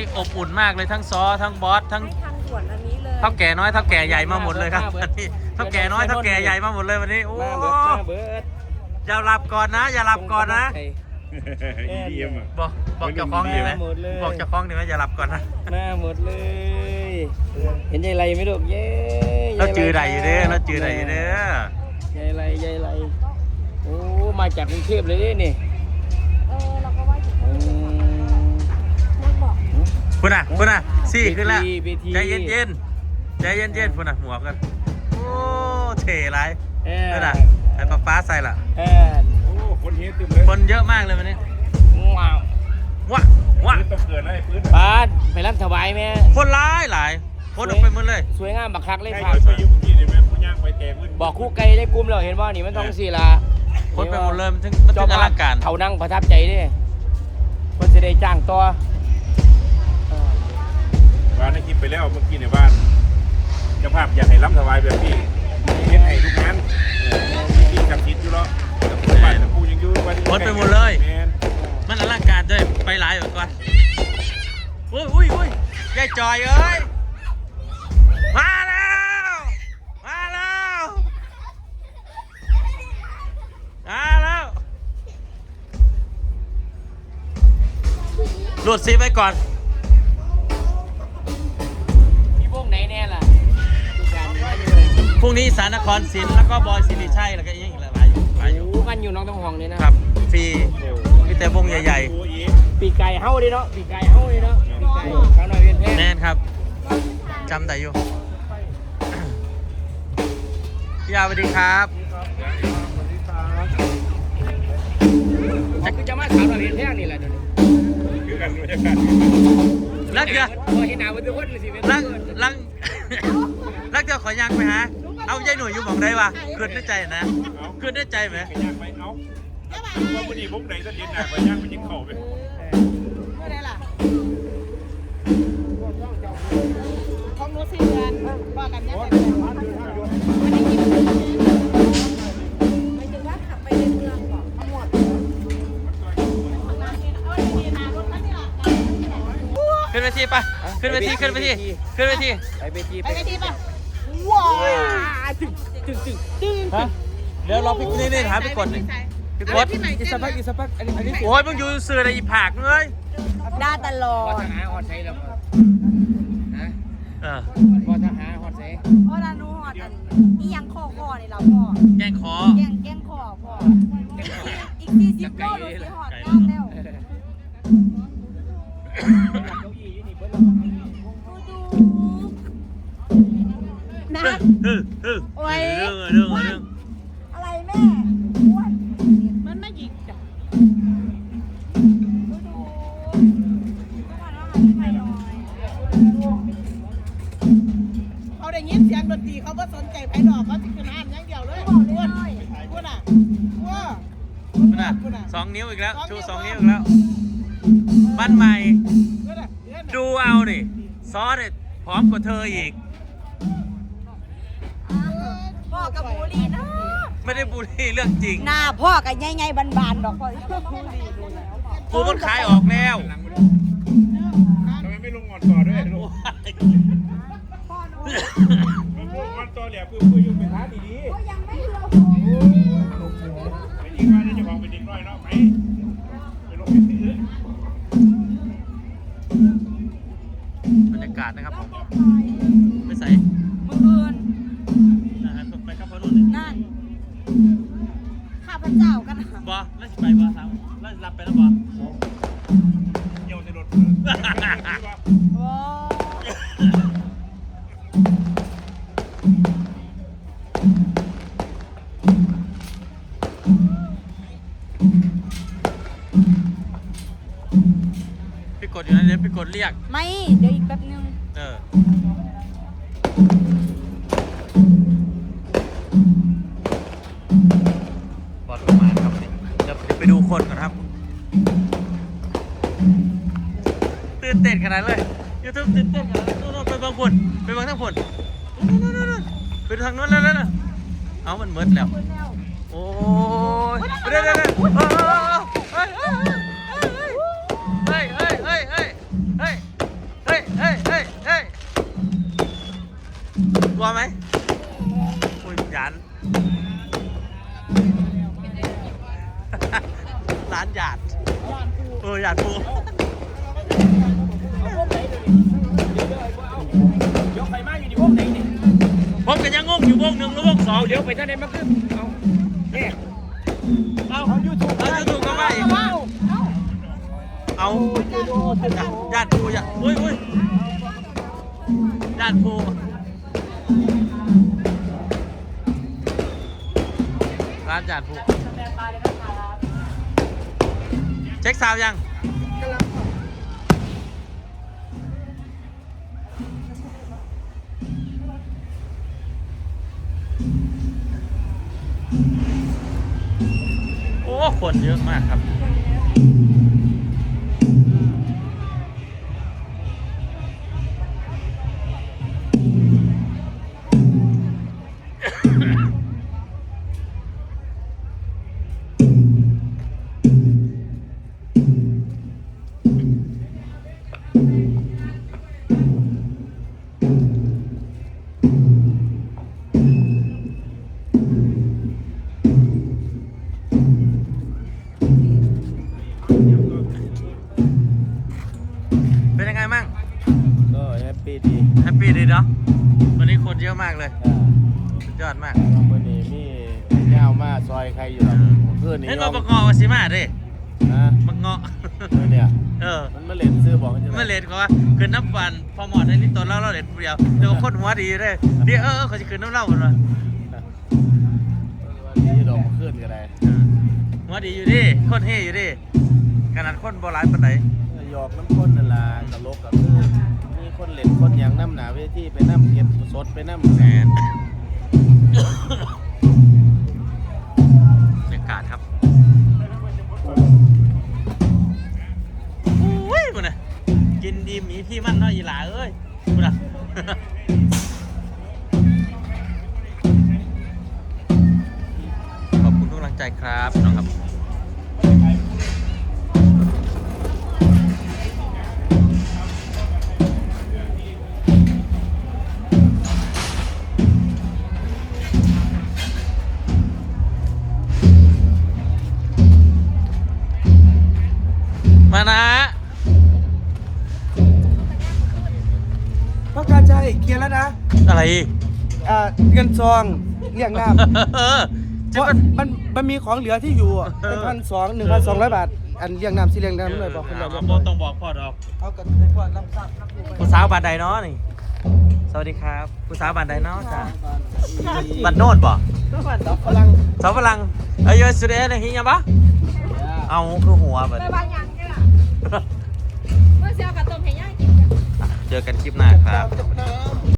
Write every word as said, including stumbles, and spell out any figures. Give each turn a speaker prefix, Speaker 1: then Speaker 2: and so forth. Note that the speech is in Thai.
Speaker 1: อบอุ่นมากเลยทั้งซอทั้งบอสทั้ง
Speaker 2: ทางด่วนอันนี้เลย
Speaker 1: เท่าแก่น้อยเท่าแก่ใหญ่มาหมดเลยครับวันนี้เท่าแก่น้อยเท่าแก่ใหญ่มาหมดเลยวันนี้โอ้อย่าหลับก่อนนะอย่าหลับก่อนนะบอกบอกเจ้าของดีไหมบอกเจ้าของดีไหมอย่าหลับก่อนนะ
Speaker 3: หน้าหมดเลยเห็นยายไรไหมลูกเย้
Speaker 1: เราจือใดอยู่เด้อเราจือใดอยู่เด้
Speaker 3: อยายไรยายไรโอ้มาจากกรุงเทพเลยนี่
Speaker 2: เออเราก็ว่าอยู่นักบอก
Speaker 1: พุ่นอ่ะพุ่นอ่ะสี่ขึ้นแล้วใจเย็นเย็นใจเย็นเย็นพุ่นอ่ะหัวกันโอ้เท่ไรนั่นน่ะไอ้ป๊าป๊าใส่ละ
Speaker 3: โอ้
Speaker 1: คนเยอะตึมเลยคนเยอะมากเลยวันนี้
Speaker 3: ว้าว
Speaker 1: ว้าว้า
Speaker 3: ต้องเกิดอะไรพื้นบ้านไปรับถวายแม่
Speaker 1: คนร้ายหลายคนออกไปหมดเลย
Speaker 3: สวยงามบักคักเลยครับบอกคู่ไกลได้กลุ่มเราเห็นว่านี่มันต้องสี่ละ
Speaker 1: คนไปหมดเลยมันถึงมันถึงอลังการ
Speaker 3: เขานั่งประทับใจดิคนจะได้จ้างตัว
Speaker 4: บ้านในคลิปไปแล้วเมื่อกี้ในบ้านเจ้าภาพอยากให้ล้ำถวายแบบพี่เฮ็ดให้ทุกงานพี่กับทิศอยู่แล้วบ้านกูยังอยู่วัน
Speaker 1: คนไปหมดเลยมันอลังการด้วยไปหลายแบบก่อนอุ้ยอุ้ยอุ้ยยายจอยเอ้ยมาแล้วมาแล้วมาแล้วหลุดซีไปก่อน
Speaker 3: มีพวกไหนแน่ล่ะ
Speaker 1: พรุ่งนี้สารนครศิลป์แล้วก็บอยสิริชัยแล้วก็อีกหลายหลายอยู่
Speaker 3: กันอยู่น้องต้องห่วงเลยนะครับ
Speaker 1: ฟรีมีแต่วงใหญ่
Speaker 3: ๆปีไก่เฮ้าดิเนาะปีไก่เฮ้าดิเนาะปีไก่ข้าวหน่อยเวียนแพง
Speaker 1: แน่นครับจำได้อยู่พี่อาสวัสดีครับ
Speaker 3: จะคือจะมาข้าวหน่อยเวียนแพงนี่แหละเดี๋ยวนี้
Speaker 4: คือกันบรรยากาศ
Speaker 1: รักเดียว
Speaker 3: เห็นหน้าวันทุกคนเลยสิ
Speaker 1: รักรักรักเดียวขอยังไปหาเอาใจหน่วยอยู่หม่องใดวะคืนในใจนะคืนในใจไหม
Speaker 4: ไปย่างไปเอาว่าวันนี้พวกไหนจะเย็นหนักไปย่างไปยิงเข่าไป
Speaker 2: ไม่ได้ล่ะของนู้นสี่เดือนว่ากันยังไงวันนี้กินหมายถึงว่าขับไปในเมืองก่อนทั้งหมด
Speaker 1: ขึ้นเวทีปะขึ้นเวทีขึ้นเวทีขึ้นเวที
Speaker 3: ไปเวที
Speaker 2: ไปเวทีปะว้าวตึงตึงตึงตึง
Speaker 1: ฮะเดี๋ยวรอพี่นี่นี่หาพี่กดหนึ่งพี่กด
Speaker 3: อีสปักอีสปักอันนี้อันนี้
Speaker 1: โอ้ยมึงอยู่สื่ออะไรอีผักเลย
Speaker 2: ได้ตลอด
Speaker 3: พอทหารหอดใส่แล้วฮะ
Speaker 1: เออ
Speaker 3: พอทหารหอดใส่
Speaker 2: พอทหารหอดอันนี้ยังคอคอนี่เราพ่อ
Speaker 1: แกงคอ
Speaker 2: แกงแกงคอพ่ออีกสี่สิบโลดูสิหอดงามแล้วนะโอ้ย
Speaker 1: เรื่องเรื่องเรื่อง
Speaker 2: อะไรแม่อ้วนมันไม่หยิกจ้ะเขาได้ยินเสียงดนตรีเขาก็สนใจไผ่ดอกเขาจะขึ้นห้านอย่างเดียวเลยอ้วนอ้วนอ่ะว้า
Speaker 1: สองนิ้วอีกแล้วชูสองนิ้วอีกแล้วบ้านใหม่ดูเอาดิซอสเนี่ยพร้อมกว่าเธออีก
Speaker 2: พ่อกับบุรีนะ
Speaker 1: ไม่ได้บุรีเรื่องจริง
Speaker 2: หน้าพ่อกับไงๆบานๆดอกพ่อ
Speaker 1: กูมันขายออกแล้ว
Speaker 4: ทำไมไม่ลงงอนต่อด้วยลูกลูกงอนต่อเหลี่ยมคือคุยอยู่เป็นท้าดีๆ
Speaker 2: ยังไม่เลือก
Speaker 4: ไม่ดีว่าจะบอกเป็นเด็กน้อยเนาะไปไปลงไปซื้
Speaker 1: อบรรยากาศนะครับผมไม่ใส่
Speaker 2: มือเอิน
Speaker 1: ไปครับพ่อรุ่น
Speaker 2: นั่นข้าพเจ้ากัน
Speaker 1: บอแล้วสิไปบอครับแล้วรับไปแล้วบอ
Speaker 4: โยนในรถ
Speaker 2: โอ้
Speaker 1: พี่กดอยู่นะเดี๋ยวพี่กดเรียก
Speaker 2: ไม่เดี๋ยวอีกแป๊บนึง
Speaker 1: เออ บอดประมาณครับเดี๋ยวไปดูคนก่อนครับตื่นเต้นขนาดเลยยูทูบตื่นเต้นขนาดเลยไปบางคนไปบางทั้งคนไปทางโน้นแล้วนะเอามันเมิดแล้วโอ้ยเดี๋ยวเดี๋ยวเฮ้ยเฮ้ยเฮ้ยเฮ้ยเฮ้ยเฮ้ยลัวไหมอุ้ยหยาน ร้านหยาดเออหยาดปู
Speaker 3: เดี๋ยวใครมาอยู่ในวงไหนนี่
Speaker 1: ผมกันยังงงอยู่วงหนึ่งหรือวงสอง
Speaker 3: เดี๋ยวไปท่านไหนมาขึ้นเอาเนี่ย
Speaker 1: เอาเอายูทูบเอายูทูบก็ไม่เอาหยาดปูหยาดอุ้ยอุ้ยหยาดปูร้านหยาดปูเช็คซาวยังโอ้คนเยอะมากครับเป็นยังไงมั่ง
Speaker 3: ก็แฮปปี้ดี
Speaker 1: แฮปปี้ดีเนาะวันนี้คนเยอะมากเลยสุดยอดมาก
Speaker 3: วันนี้มีเงามาซอยใครอยู่หรอเพื่อนนี่
Speaker 1: เห็นว่าบักเงาะวาสิมาเด้
Speaker 3: นะ
Speaker 1: บักเงาะ
Speaker 3: เนี่ย
Speaker 1: เออ
Speaker 3: มันมาเล่นซื้อบอกกัน
Speaker 1: ไม่เลนเขาว่าคืนน้ำฟันพอหมอดในนี่ตัวเล่าเราเด็ดเดียวเดี๋ยวคนหัวดีเลยเดี๋ยวเออเขาจะคืนน้ำเล่ากันวะ
Speaker 3: วันนี้ดอกขึ้นกันได้
Speaker 1: หัวดีอยู่ดิคนเฮอยู่ดิขนาดคนโบราณปานไหน
Speaker 3: หยอกน้ำข้นนั่นล่ะตลกกับเพื่อนมีคนเล่นคนยังน้ำหนาเวทีไปน้ำเก็บสดไปน้ำ
Speaker 1: แมนบรรยากาศครับอุ้ยมันน่ะกินดีมีพี่มั่นเนาะอีหลาเอ้ยมันน่ะ ขอบคุณทุกกำลังใจครับน้องครับมานะ
Speaker 5: ต้องการใจเคลียร์แล้วนะ
Speaker 1: อะไร
Speaker 5: อ่าเงินซองเรียกน้ำ
Speaker 1: เออ
Speaker 5: เพ
Speaker 1: จะ
Speaker 5: ราะ
Speaker 1: มัน
Speaker 5: มันมันมีของเหลือที่อยู่อะเป็นพันสองหนึ่งพันสองร้อยบาท อันเรียกน้ำสิเรียกน้ำเลยบอกคนเดียว
Speaker 1: เอาบอกต้องบอกพ่อดอก
Speaker 5: เอากันเป็นพวกรับทราบครับ
Speaker 1: ผู้สาวบานใดเนาะนี่สวัสดีครับผู้สาวบานใดเนาะจ้าบันโนดบ่
Speaker 5: พลัง
Speaker 1: สาวฝรั่งเอ้ยสุดเอ็นหิงยังปะเอาคือหัวแบบ
Speaker 6: ไปบางอย่างกันล่ะเมื่อเช้ากับต้มเห็นย่างกินกัน
Speaker 1: เจอกันคลิปหน้าครับ
Speaker 5: จับน้